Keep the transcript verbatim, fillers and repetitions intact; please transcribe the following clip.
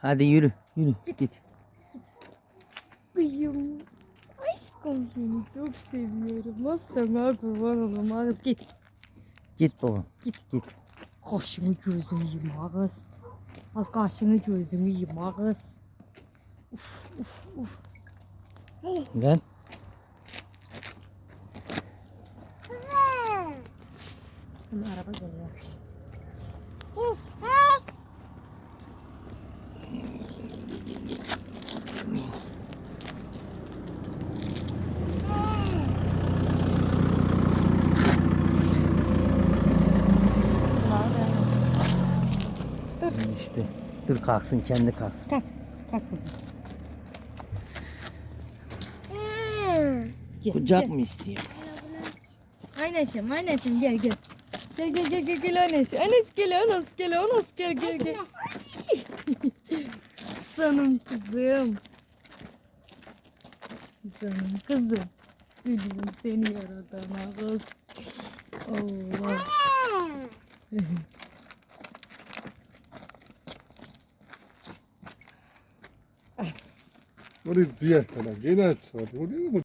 Hadi yürü. Yürü. Git. Git. Kızım. Aşkım seni çok seviyorum. Nasıl sana kurban olayım Ağız git. Git babam. Git. Git. Kaşını gözünü yiyeyim Ağız. Az kaşını gözünü yiyeyim Ağız. Uf uf uf. Gel. Hemen araba geliyor. Dur. İşte. Dur kalksın, kendi kalksın. Kalk. Kalk kızım. Gel, Kucak gel. mı istiyor? Anneşim, anneşim gel gel. Gel gel gel gel gel annesi. Annesi gel, annesi gel, annesi gel gel gel. Canım kızım. Canım kızım. Gülüm seni yaradan ağız. Allah. 우리 지혜잖아. 얘네 저 우리